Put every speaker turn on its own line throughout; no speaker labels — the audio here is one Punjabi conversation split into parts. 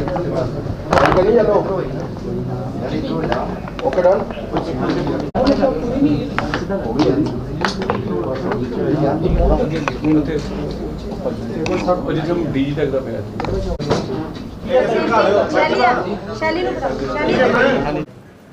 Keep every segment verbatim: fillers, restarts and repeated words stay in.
ओके डन डी तक का पिया
शैली नु शैली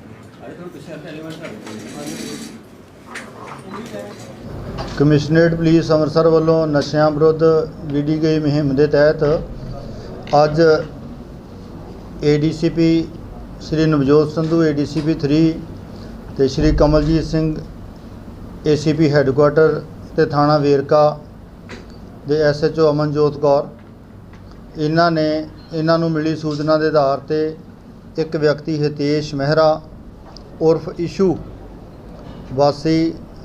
कमिश्नरेट पुलिस ਅੰਮ੍ਰਿਤਸਰ ਵੱਲੋਂ ਨਸ਼ਿਆਂ ਵਿਰੁੱਧ ਵਿੱਢੀ ਗਈ ਮੁਹਿੰਮ ਦੇ ਤਹਿਤ ਅੱਜ A D C P Shri Navjot Sandhu A D C P three ਤੇ Shri Kamaljit Singh A C P headquarter ਤੇ ਥਾਣਾ ਵੇਰਕਾ ਦੇ S H O Amanjot Kaur ਇਹਨਾਂ ਨੇ ਇਹਨਾਂ ਨੂੰ ਮਿਲੀ ਸੂਚਨਾ ਦੇ ਆਧਾਰ ਤੇ ਇੱਕ ਵਿਅਕਤੀ ਹਿਤੇਸ਼ ਮਹਿਰਾ ਉਰਫ ਇਸ਼ੂ ਵਾਸੀ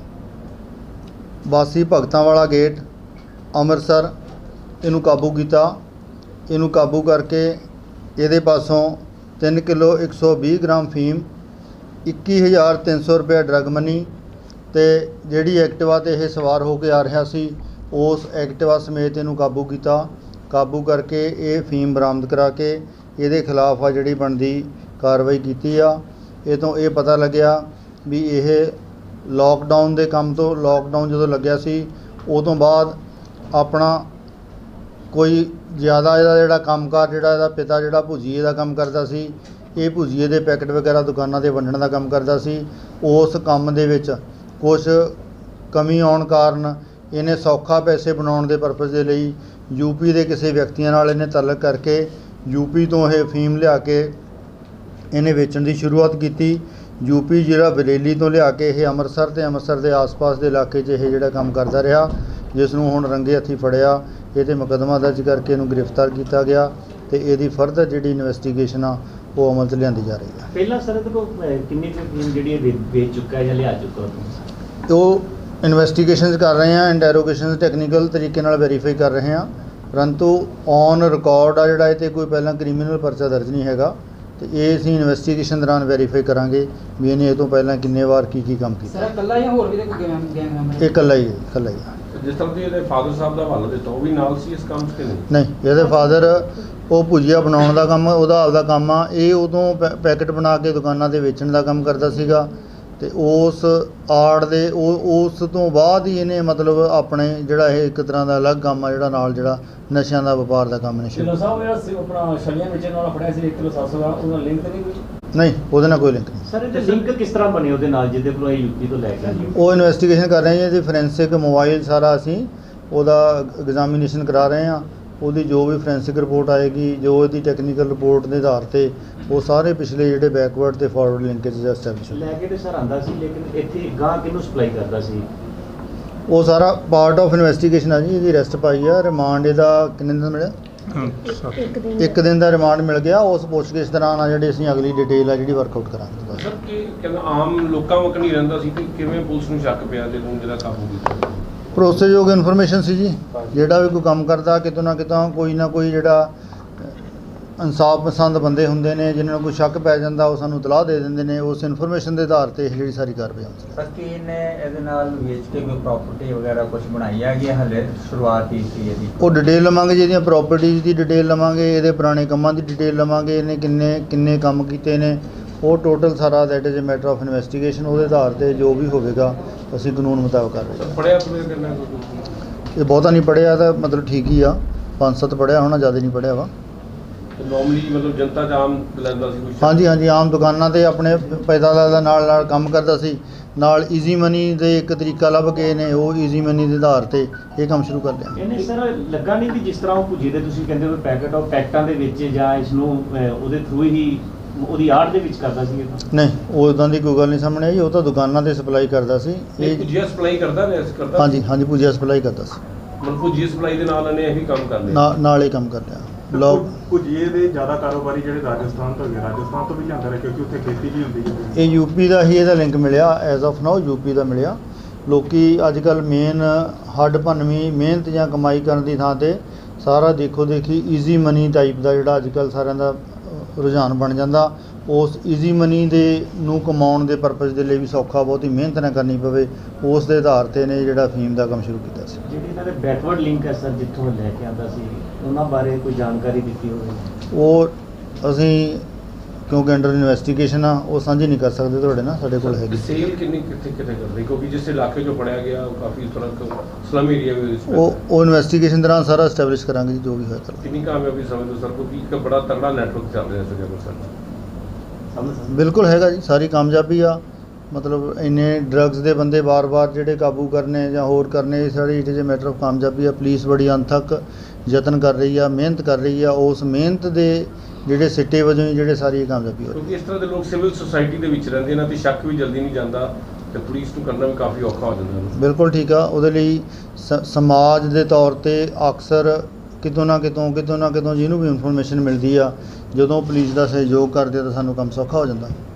ਵਾਸੀ ਭਗਤਾਂ ਵਾਲਾ ਗੇਟ ਅੰਮ੍ਰਿਤਸਰ ਇਹਨੂੰ ਕਾਬੂ ਕੀਤਾ। ਇਹਨੂੰ ਕਾਬੂ ਕਰਕੇ ਇਹਦੇ ਪਾਸੋਂ ਤਿੰਨ ਕਿਲੋ ਇੱਕ ਸੌ ਵੀਹ ਗ੍ਰਾਮ ਫੀਮ ਇੱਕੀ ਹਜ਼ਾਰ ਤਿੰਨ ਸੌ ਰੁਪਏ ਡਰੱਗ ਮਨੀ ਤੇ ਜਿਹੜੀ ਐਕਟਿਵਾ ਤੇ ਇਹ ਸਵਾਰ ਹੋ ਕੇ ਆ ਰਿਹਾ ਸੀ ਉਸ ਐਕਟਿਵਾ ਸਮੇਤ ਇਹਨੂੰ ਕਾਬੂ ਕੀਤਾ। ਕਾਬੂ ਕਰਕੇ ਇਹ ਫੀਮ ਬਰਾਮਦ ਕਰਾ ਕੇ ਇਹਦੇ ਖਿਲਾਫ ਆ ਜਿਹੜੀ ਬਣਦੀ ਕਾਰਵਾਈ ਕੀਤੀ ਆ। ਇਹ ਤੋਂ ਇਹ ਪਤਾ ਲੱਗਿਆ ਵੀ ਇਹ ਲੋਕਡਾਊਨ ਦੇ ਕੰਮ ਤੋਂ ਲੋਕਡਾਊਨ ਜਦੋਂ ਲੱਗਿਆ ਸੀ ਉਹ ਤੋਂ ਬਾਅਦ ਆਪਣਾ ਕੋਈ ਜ਼ਿਆਦਾ ਇਹਦਾ ਜਿਹੜਾ ਕੰਮਕਾਰ ਜਿਹੜਾ ਇਹਦਾ ਪਿਤਾ ਜਿਹੜਾ ਭੁਜੀਏ ਦਾ ਕੰਮ ਕਰਦਾ ਸੀ, ਇਹ ਭੁਜੀਏ ਦੇ ਪੈਕਟ ਵਗੈਰਾ ਦੁਕਾਨਾਂ 'ਤੇ ਵੰਡਣ ਦਾ ਕੰਮ ਕਰਦਾ ਸੀ। ਉਸ ਕੰਮ ਦੇ ਵਿੱਚ ਕੁਛ ਕਮੀ ਆਉਣ ਕਾਰਨ ਇਹਨੇ ਸੌਖਾ ਪੈਸੇ ਬਣਾਉਣ ਦੇ ਪਰਪਸ ਦੇ ਲਈ ਯੂਪੀ ਦੇ ਕਿਸੇ ਵਿਅਕਤੀਆਂ ਨਾਲ ਇਹਨੇ ਤਾਲੁਕ ਕਰਕੇ ਯੂਪੀ ਤੋਂ ਇਹ ਫੀਮ ਲਿਆ ਕੇ ਇਹਨੇ ਵੇਚਣ ਦੀ ਸ਼ੁਰੂਆਤ ਕੀਤੀ। ਯੂਪੀ ਜਿਹੜਾ ਬਰੇਲੀ ਤੋਂ ਲਿਆ ਕੇ ਇਹ ਅੰਮ੍ਰਿਤਸਰ ਤੇ ਅੰਮ੍ਰਿਤਸਰ ਦੇ ਆਸ-ਪਾਸ ਦੇ ਇਲਾਕੇ 'ਚ ਇਹ ਜਿਹੜਾ ਕੰਮ ਕਰਦਾ ਰਿਹਾ, ਜਿਸ ਨੂੰ ਹੁਣ ਰੰਗੇ ਹੱਥੀਂ ਫੜਿਆ। ਇਹ 'ਤੇ ਮੁਕੱਦਮਾ ਦਰਜ ਕਰਕੇ ਇਹਨੂੰ ਗ੍ਰਿਫਤਾਰ ਕੀਤਾ ਗਿਆ ਤੇ ਇਹਦੀ ਫਰਦਰ ਜਿਹੜੀ ਇਨਵੈਸਟੀਗੇਸ਼ਨ ਆ ਉਹ ਅਮਲ 'ਚ ਲਿਆਂਦੀ ਜਾ ਰਹੀ ਹੈ।
ਪਹਿਲਾਂ ਸਰ ਇਹਦੇ ਕੋਲ ਕਿੰਨੀ ਫੀਮ ਜਿਹੜੀ ਇਹ ਵੇਚ ਚੁੱਕਾ ਹੈ ਜਾਂ ਲਿਆ ਚੁੱਕਾ
ਉਹ ਇਨਵੈਸਟੀਗੇਸ਼ਨਸ ਕਰ ਰਹੇ ਹਾਂ, ਇੰਟਰੋਗੇਸ਼ਨਸ ਟੈਕਨੀਕਲ ਤਰੀਕੇ ਨਾਲ ਵੈਰੀਫਾਈ ਕਰ ਰਹੇ ਹਾਂ, ਪਰੰਤੂ ਔਨ ਰਿਕਾਰਡ ਆ ਜਿਹੜਾ ਇਹ 'ਤੇ ਕੋਈ ਪਹਿਲਾਂ ਕ੍ਰਿਮੀਨਲ ਪਰਚਾ ਦਰਜ ਨਹੀਂ ਹੈਗਾ ਤੇ ਇਹ ਅਸੀਂ ਇਨਵੈਸਟੀਗੇਸ਼ਨ ਦੌਰਾਨ ਵੈਰੀਫਾਈ ਕਰਾਂਗੇ ਵੀ ਇਹਨੇ ਇਹ ਤੋਂ ਪਹਿਲਾਂ ਕਿੰਨੇ ਵਾਰ ਕੀ ਕੀ ਕੰਮ ਕੀਤਾ।
ਸਰ ਇਕੱਲਾ ਜਾਂ ਹੋਰ ਵੀ ਕੋਈ ਗੈਂਗ ਗੈਂਗ ਮੈਂਬਰ?
ਇਹ ਇਕੱਲਾ ਹੀ ਇਕੱਲਾ ਹੀ
ਜਿਸ ਤਰ੍ਹਾਂ ਦੀ ਇਹਦੇ ਫਾਦਰ ਸਾਹਿਬ ਦਾ ਹਵਾਲਾ ਦਿੱਤਾ ਉਹ ਵੀ ਨਾਲ ਸੀ ਇਸ ਕੰਮ 'ਚ ਕਿ ਨਹੀਂ?
ਨਹੀਂ, ਇਹਦੇ ਫਾਦਰ ਉਹ ਭੁਜੀਆ ਬਣਾਉਣ ਦਾ ਕੰਮ ਉਹਦਾ ਆਪਦਾ ਕੰਮ ਆ। ਇਹ ਉਦੋਂ ਪੈ ਪੈਕਟ ਬਣਾ ਕੇ ਦੁਕਾਨਾਂ 'ਤੇ ਵੇਚਣ ਦਾ ਕੰਮ ਕਰਦਾ ਸੀਗਾ ਤੇ ਉਸ ਆੜ ਦੇ ਉਹ ਉਸ ਤੋਂ ਬਾਅਦ ਹੀ ਇਹਨੇ ਮਤਲਬ ਆਪਣੇ ਜਿਹੜਾ ਇਹ ਇੱਕ ਤਰ੍ਹਾਂ ਦਾ ਅਲੱਗ ਕੰਮ ਆ ਜਿਹੜਾ ਨਾਲ ਜਿਹੜਾ ਨਸ਼ਿਆਂ ਦਾ ਵਪਾਰ ਦਾ ਕੰਮ ਨੇ ਸ਼ੁਰੂ
ਕਿਲੋ ਸਾਹਿਬ ਜਿਹੜਾ ਸੀ ਆਪਣਾ ਛਲੀਆਂ ਵੇਚਣ ਨਾਲ ਫੜਿਆ ਸੀ ਇੱਕ ਕਿਲੋ ਸੱਤ ਸੌ ਦਾ, ਉਹਦਾ ਲਿੰਕ ਤਾਂ ਨਹੀਂ ਕੋਈ?
ਨਹੀਂ, ਉਹਦੇ ਨਾਲ ਕੋਈ ਲਿੰਕ ਨਹੀਂ।
ਸਰ ਇਹਦੇ ਲਿੰਕ ਕਿਸ ਤਰ੍ਹਾਂ ਬਣੇ ਉਹਦੇ ਨਾਲ ਜਿਹਦੇ ਕੋਲ ਇਹ ਯੂਪੀ ਤੋਂ ਲੈ ਕੇ ਆਏ?
ਉਹ ਇਨਵੈਸਟੀਗੇਸ਼ਨ ਕਰ ਰਹੇ ਹਾਂ ਜੀ। ਫੋਰੈਂਸਿਕ ਮੋਬਾਈਲ ਸਾਰਾ ਅਸੀਂ ਉਹਦਾ ਐਗਜ਼ਾਮੀਨੇਸ਼ਨ ਕਰਾ ਰਹੇ ਹਾਂ। ਉਹਦੀ ਜੋ ਵੀ ਫੋਰੈਂਸਿਕ ਰਿਪੋਰਟ ਆਏਗੀ, ਜੋ ਇਹਦੀ ਟੈਕਨੀਕਲ ਰਿਪੋਰਟ ਦੇ ਆਧਾਰ ਤੇ ਉਹ ਸਾਰੇ ਪਿਛਲੇ ਜਿਹੜੇ ਬੈਕਵਰਡ ਤੇ ਫਾਰਵਰਡ ਲਿੰਕੇਜ ਐਸਟੈਬਲਿਸ਼
ਲੈ ਕੇ ਤੇ ਸਰ ਆਂਦਾ ਸੀ, ਲੇਕਿਨ ਇੱਥੇ ਗਾਂ ਕਿਹਨੂੰ ਸਪਲਾਈ ਕਰਦਾ ਸੀ?
ਉਹ ਸਾਰਾ ਪਾਰਟ ਆਫ ਇਨਵੈਸਟੀਗੇਸ਼ਨ ਆ ਜੀ। ਇਹਦੀ ਅਰੈਸਟ ਪਾਈ ਆ। ਰਿਮਾਂਡ ਇਹਦਾ ਕਿੰਨੇ ਦਿਨ ਮਿਲਿਆ? ਇੱਕ ਦਿਨ ਦਾ ਰਿਮਾਂਡ ਮਿਲ ਗਿਆ। ਉਸ ਪੁੱਛਗਿੱਛ ਦੌਰਾਨ ਆ ਜਿਹੜੀ ਅਸੀਂ ਅਗਲੀ ਡਿਟੇਲ ਆ ਜਿਹੜੀ ਵਰਕਆਊਟ ਕਰਾਂਗੇ।
ਸਰ ਕੀ ਕਹਿੰਦਾ ਆਮ ਲੋਕਾਂ ਵਕ ਨਹੀਂ ਰਹਿੰਦਾ ਸੀ ਕਿ ਕਿਵੇਂ ਪੁਲਿਸ ਨੂੰ ਸ਼ੱਕ ਪਿਆ ਤੇ ਉਹਨੂੰ ਜਿਹੜਾ ਕਾਬੂ ਕੀਤਾ?
ਭਰੋਸੇਯੋਗ ਇਨਫੋਰਮੇਸ਼ਨ ਸੀ ਜੀ। ਜਿਹੜਾ ਵੀ ਕੋਈ ਕੰਮ ਕਰਦਾ ਕਿਤੋਂ ਨਾ ਕਿਤੋਂ ਕੋਈ ਨਾ ਕੋਈ ਜਿਹੜਾ ਇਨਸਾਫ ਪਸੰਦ ਬੰਦੇ ਹੁੰਦੇ ਨੇ ਜਿਨ੍ਹਾਂ ਨੂੰ ਕੋਈ ਸ਼ੱਕ ਪੈ ਜਾਂਦਾ ਉਹ ਸਾਨੂੰ ਇਤਲਾਹ ਦੇ ਦਿੰਦੇ ਨੇ। ਉਸ ਇਨਫੋਰਮੇਸ਼ਨ ਦੇ ਆਧਾਰ ਤੇ ਇਹ ਜਿਹੜੀ ਸਾਰੀ ਕਾਰਵਾਈ ਹੁੰਦੀ ਹੈ।
ਸਰ ਕੀ ਇਹਨੇ ਇਹਦੇ ਨਾਲ ਵੇਚ ਕੇ ਕੋਈ ਪ੍ਰਾਪਰਟੀ ਵਗੈਰਾ ਕੁਝ ਬਣਾਈ ਹੈਗੀ ਹਲੇ ਸ਼ੁਰੂਆਤ ਹੀ ਸੀ ਇਹਦੀ?
ਉਹ ਡਿਟੇਲ ਲਵਾਂਗੇ ਜੀ, ਇਹਦੀਆਂ ਪ੍ਰਾਪਰਟੀਜ਼ ਦੀ ਡਿਟੇਲ ਲਵਾਂਗੇ, ਇਹਦੇ ਪੁਰਾਣੇ ਕੰਮਾਂ ਦੀ ਡਿਟੇਲ ਲਵਾਂਗੇ, ਇਹਨੇ ਕਿੰਨੇ ਕਿੰਨੇ ਕੰਮ ਕੀਤੇ ਨੇ ਉਹ ਟੋਟਲ ਸਾਰਾ that is a matter of investigation. ਉਹਦੇ ਆਧਾਰ ਤੇ ਜੋ ਵੀ ਹੋਵੇਗਾ ਅਸੀਂ ਕਾਨੂੰਨ ਮੁਤਾਬਕ ਕਰ ਰਹੇ ਹਾਂ।
ਪੜਿਆ ਪੜਿਆ ਕਿੰਨਾ?
ਇਹ ਬਹੁਤਾ ਨਹੀਂ ਪੜਿਆ ਤਾਂ ਮਤਲਬ ਠੀਕ ਹੀ ਆ, ਪੰਜ ਸੱਤ ਪੜਿਆ ਹੋਣਾ, ਜ਼ਿਆਦਾ ਨਹੀਂ ਪੜਿਆ ਵਾ।
ਨੋਰਮਲੀ ਮਤਲਬ ਜਨਤਾ 'ਚ ਆਮ ਲੈਂਦਾ ਸੀ ਕੁਛ?
ਹਾਂਜੀ ਹਾਂਜੀ, ਆਮ ਦੁਕਾਨਾਂ 'ਤੇ ਆਪਣੇ ਪੈਦਾ ਦਾ ਨਾਲ ਨਾਲ ਕੰਮ ਕਰਦਾ ਸੀ। ਨਾਲ ਈਜ਼ੀ ਮਨੀ ਦੇ ਇੱਕ ਤਰੀਕਾ ਲੱਭ ਕੇ ਨੇ ਉਹ ਈਜ਼ੀ ਮਨੀ ਦੇ ਆਧਾਰ ਤੇ ਇਹ ਕੰਮ ਸ਼ੁਰੂ ਕਰ ਲਿਆ।
ਇਹਨੇ ਸਰ ਲੱਗਾ ਨਹੀਂ ਕਿ ਜਿਸ ਤਰ੍ਹਾਂ ਉਹ ਭੁਜੀ ਦੇ ਤੁਸੀਂ ਕਹਿੰਦੇ ਹੋ ਪੈਕਟ ਉਹ ਪੈਕਟਾਂ ਦੇ ਵਿੱਚ ਜਾਂ ਇਸ ਨੂੰ ਉਹਦੇ ਥਰੂ ਹੀ ਉਹਦੀ ਆੜ ਦੇ ਵਿੱਚ ਕਰਦਾ ਸੀ?
ਨਹੀਂ, ਉਦਾਂ ਦੀ ਕੋਈ ਗੱਲ ਨਹੀਂ ਸਾਹਮਣੇ ਆਈ। ਉਹ ਤਾਂ ਦੁਕਾਨਾਂ 'ਤੇ ਸਪਲਾਈ ਕਰਦਾ ਸੀ।
ਇਹ ਭੁਜੀਆ ਸਪਲਾਈ ਕਰਦਾ ਨੇ? ਕਰਦਾ
ਹਾਂਜੀ ਹਾਂਜੀ, ਭੁਜੀਆ ਸਪਲਾਈ ਕਰਦਾ ਸੀ।
ਮਤਲਬ ਭੁਜੀਆ ਸਪਲਾਈ ਦੇ ਨਾਲ ਇਹਨੇ ਇਹ ਵੀ ਕੰਮ ਕਰ ਲਿਆ?
ਨਾਲ ਨਾਲ ਹੀ ਕੰਮ ਕਰ ਲਿਆ। ਲੋਕ
ਭੁਜੀਏ ਦੇ ਜ਼ਿਆਦਾ ਕਾਰੋਬਾਰੀ ਜਿਹੜੇ ਰਾਜਸਥਾਨ ਤੋਂ ਗਏ, ਰਾਜਸਥਾਨ ਤੋਂ ਵੀ ਜਾਂਦਾ ਰਿਹਾ ਕਿਉਂਕਿ ਉੱਥੇ ਖੇਤੀ ਵੀ ਹੁੰਦੀ ਹੈ।
ਇਹ ਯੂਪੀ ਦਾ ਹੀ ਇਹਦਾ ਲਿੰਕ ਮਿਲਿਆ ਐਜ਼ ਆਫ ਨਾਓ, ਯੂਪੀ ਦਾ ਮਿਲਿਆ। ਲੋਕੀ ਅੱਜ ਕੱਲ੍ਹ ਮੇਨ ਹੱਡ ਭੰਨਵੀਂ ਮਿਹਨਤ ਜਾਂ ਕਮਾਈ ਕਰਨ ਦੀ ਥਾਂ 'ਤੇ ਸਾਰਾ ਦੇਖੋ ਦੇਖੀ ਈਜ਼ੀ ਮਨੀ ਟਾਈਪ ਦਾ ਜਿਹੜਾ ਅੱਜ ਕੱਲ੍ਹ ਸਾਰਿਆਂ ਦਾ ਰੁਝਾਨ ਬਣ ਜਾਂਦਾ। ਉਸ ਈਜ਼ੀ ਮਨੀ ਦੇ ਨੂੰ ਕਮਾਉਣ ਦੇ ਪਰਪਸ ਦੇ ਲਈ ਵੀ ਸੌਖਾ ਬਹੁਤੀ ਮਿਹਨਤ ਨਾ ਕਰਨੀ ਪਵੇ, ਉਸ ਦੇ ਆਧਾਰ 'ਤੇ ਨੇ ਜਿਹੜਾ ਫੀਮ ਦਾ ਕੰਮ ਸ਼ੁਰੂ ਕੀਤਾ ਸੀ।
ਜਿਹੜੀ ਇਹਨਾਂ ਦੇ ਬੈਕਵਰਡ ਲਿੰਕ ਹੈ ਸਰ ਜਿੱਥੋਂ ਲੈ ਕੇ ਆਉਂਦਾ ਸੀ ਉਹਨਾਂ ਬਾਰੇ ਕੋਈ ਜਾਣਕਾਰੀ ਦਿੱਤੀ ਹੋਵੇ?
ਉਹ ਅਸੀਂ ਕਿਉਂਕਿ ਅੰਡਰ ਇਨਵੈਸਟੀਗੇਸ਼ਨ ਆ ਉਹ ਸਾਂਝੀ ਨਹੀਂ ਕਰ ਸਕਦੇ ਤੁਹਾਡੇ ਨਾਲ, ਸਾਡੇ ਕੋਲ ਹੈਗੀ।
ਸੇਲ ਕਿੰਨੀ ਕਿੱਥੇ ਕਿੱਥੇ ਕਰਦੇ ਕਿਉਂਕਿ ਜਿਸ ਇਲਾਕੇ 'ਚੋਂ ਫੜਿਆ ਗਿਆ ਉਹ ਕਾਫੀ ਫਰਕ ਸਲਮ ਏਰੀਆ ਵਿੱਚ
ਉਹ ਉਹ ਇਨਵੈਸਟੀਗੇਸ਼ਨ ਦੌਰਾਨ ਸਾਰਾ ਐਸਟੈਬਲਿਸ਼ ਕਰਾਂਗੇ ਜੀ, ਜੋ ਵੀ ਹੋਇਆ।
ਕਿੰਨੀ ਕਾਮਯਾਬੀ ਸਮਝਦੇ ਸਰ ਕਿਉਂਕਿ ਇੱਕ ਬੜਾ ਤਗੜਾ ਨੈਟਵਰਕ ਚੱਲ ਰਿਹਾ ਸੀ ਅੰਮ੍ਰਿਤਸਰ।
ਬਿਲਕੁਲ ਹੈਗਾ ਜੀ, ਸਾਰੀ ਕਾਮਯਾਬੀ ਆ। ਮਤਲਬ ਇੰਨੇ ਡਰੱਗਸ ਦੇ ਬੰਦੇ ਵਾਰ-ਵਾਰ ਜਿਹੜੇ ਕਾਬੂ ਕਰਨੇ ਜਾਂ ਹੋਰ ਕਰਨੇ, ਸਾਰੀ it is a matter of ਕਾਮਯਾਬੀ ਆ। ਪੁਲਿਸ ਬੜੀ ਅਣਥੱਕ ਯਤਨ ਕਰ ਰਹੀ ਆ, ਮਿਹਨਤ ਕਰ ਰਹੀ ਆ, ਉਸ ਮਿਹਨਤ ਦੇ ਜਿਹੜੇ ਸਿੱਟੇ ਵਜੋਂ ਹੀ ਜਿਹੜੇ ਸਾਰੀ ਕਾਮਯਾਬੀ ਹੋ ਰਹੀ।
ਕਿਉਂਕਿ ਇਸ ਤਰ੍ਹਾਂ ਦੇ ਲੋਕ ਸਿਵਲ ਸੁਸਾਇਟੀ ਦੇ ਵਿੱਚ ਰਹਿੰਦੇ ਇਹਨਾਂ ਤੇ ਸ਼ੱਕ ਵੀ ਜਲਦੀ ਨਹੀਂ ਜਾਂਦਾ ਤੇ ਪੁਲਿਸ ਨੂੰ ਕਰਨਾ ਵੀ ਕਾਫੀ ਔਖਾ ਹੋ ਜਾਂਦਾ।
ਬਿਲਕੁਲ ਠੀਕ ਆ। ਉਹਦੇ ਲਈ ਸ ਸਮਾਜ ਦੇ ਤੌਰ 'ਤੇ ਅਕਸਰ ਕਿਤੋਂ ਨਾ ਕਿਤੋਂ ਕਿਤੋਂ ਨਾ ਕਿਤੋਂ ਜਿਹਨੂੰ ਵੀ ਇਨਫੋਰਮੇਸ਼ਨ ਮਿਲਦੀ ਆ, ਜਦੋਂ ਪੁਲਿਸ ਦਾ ਸਹਿਯੋਗ ਕਰਦੇ ਆ ਤਾਂ ਸਾਨੂੰ ਕੰਮ ਸੌਖਾ ਹੋ ਜਾਂਦਾ।